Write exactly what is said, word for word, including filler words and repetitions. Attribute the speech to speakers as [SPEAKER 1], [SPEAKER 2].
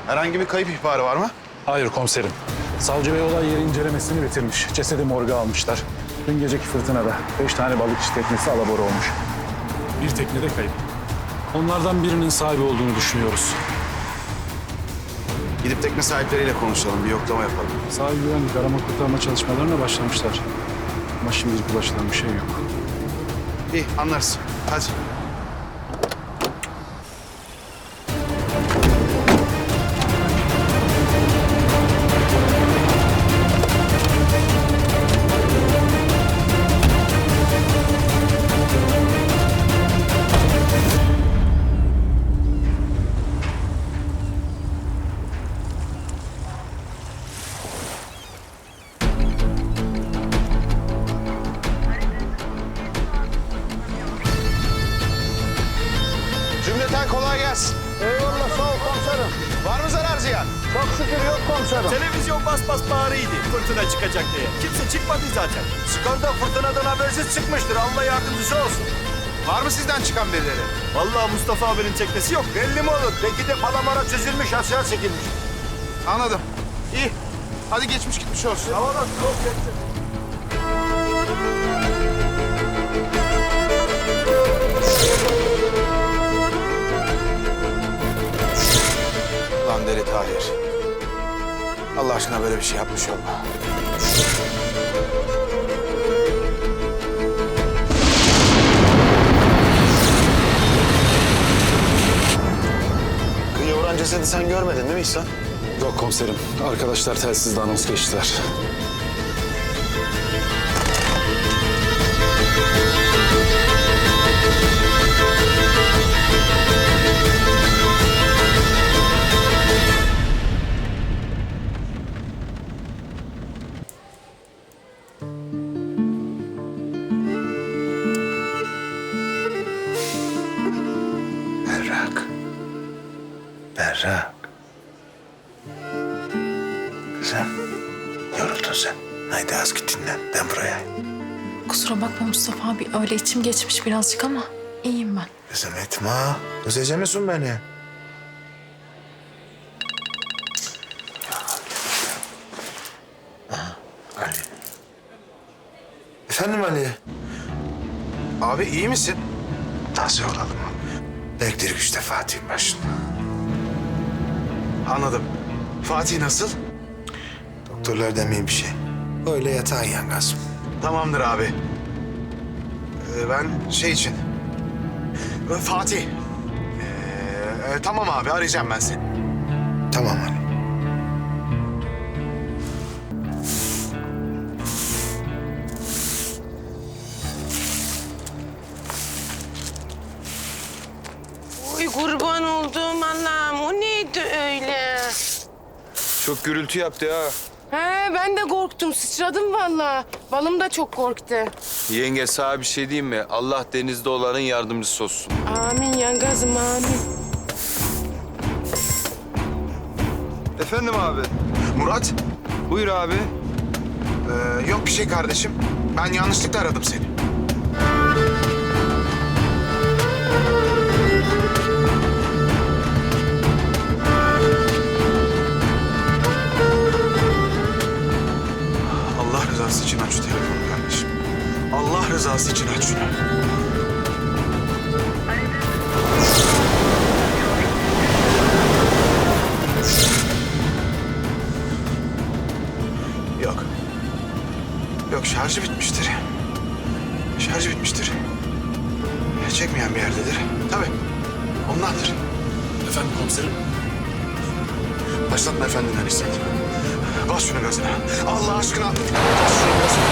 [SPEAKER 1] Herhangi bir kayıp ihbarı var mı?
[SPEAKER 2] Hayır komiserim. Savcı Bey olay yeri incelemesini bitirmiş. Cesedi morga almışlar. Dün geceki fırtınada beş tane balıkçı teknesi alabora olmuş. Bir tekne de kayıp. Onlardan birinin sahibi olduğunu düşünüyoruz.
[SPEAKER 1] Gidip tekne sahipleriyle konuşalım, bir yoklama yapalım.
[SPEAKER 2] Sahil güvenlik arama kurtarma çalışmalarına başlamışlar. Ama şimdilik ulaşılan bir şey yok.
[SPEAKER 1] İyi, anlarız. Hadi. Cümleten kolay gelsin.
[SPEAKER 3] Eyvallah sağ ol komiserim.
[SPEAKER 1] Var mı zarar ziyan?
[SPEAKER 3] Çok şükür yok komiserim.
[SPEAKER 4] Televizyon bas bas bağırıydı fırtına çıkacak diye. Kimse çıkmadı zaten.
[SPEAKER 3] Çıkan da fırtınadan habersiz çıkmıştır. Allah yardımcısı olsun.
[SPEAKER 1] Var mı sizden çıkan birileri?
[SPEAKER 4] Vallahi Mustafa abinin teknesi yok.
[SPEAKER 3] Belli mi olur? Belki de palamara çözülmüş, aşağı çekilmiş.
[SPEAKER 1] Anladım. İyi. Hadi geçmiş gitmiş olsun.
[SPEAKER 3] Havalar çok geçti.
[SPEAKER 1] Lan deli Tahir. Allah aşkına böyle bir şey yapmış olma. Kıyıya vuran cesedi sen görmedin değil mi İhsan?
[SPEAKER 2] Yok komiserim. Arkadaşlar telsizle anons geçtiler.
[SPEAKER 5] Berrak. Berrak. Kızım, yoruldun sen. Haydi az git dinlen. Ben buraya.
[SPEAKER 6] Kusura bakma Mustafa abi. Öyle içim geçmiş birazcık ama iyiyim ben.
[SPEAKER 5] Kızım etme. Özleyecek misin beni? Aha, Ali. Efendim Ali?
[SPEAKER 1] Abi iyi misin?
[SPEAKER 5] Nasıl olalım? Elektrik işte Fatih'in başında.
[SPEAKER 1] Anladım. Fatih nasıl?
[SPEAKER 5] Doktorlar demeyin bir şey. Öyle yatağın yangaz.
[SPEAKER 1] Tamamdır abi. Ee, ben şey için... Ee, Fatih. Ee, e, tamam abi arayacağım ben seni.
[SPEAKER 5] Tamam Ali.
[SPEAKER 7] Oy kurban olduğum Allah'ım, o neydi öyle?
[SPEAKER 8] Çok gürültü yaptı ha.
[SPEAKER 7] He, ben de korktum, sıçradım vallahi. Balım da çok korktu.
[SPEAKER 8] Yenge sana bir şey diyeyim mi? Allah denizde olanın yardımcısı olsun.
[SPEAKER 7] Amin yangazım, amin.
[SPEAKER 8] Efendim abi.
[SPEAKER 1] Murat.
[SPEAKER 8] Buyur abi.
[SPEAKER 1] Ee, yok bir şey kardeşim. Ben yanlışlıkla aradım seni. Allah rızası için aç şu telefonu kardeşim. Allah rızası için aç şunu. Yok. Yok şarjı bitmiştir. Şarjı bitmiştir. Çekmeyen bir yerdedir. Tabii. Ondandır.
[SPEAKER 2] Efendim komiserim?
[SPEAKER 1] Başlatma efendinden İsmet. Bas şunu gazına. Allah aşkına. Bas şunu gazına.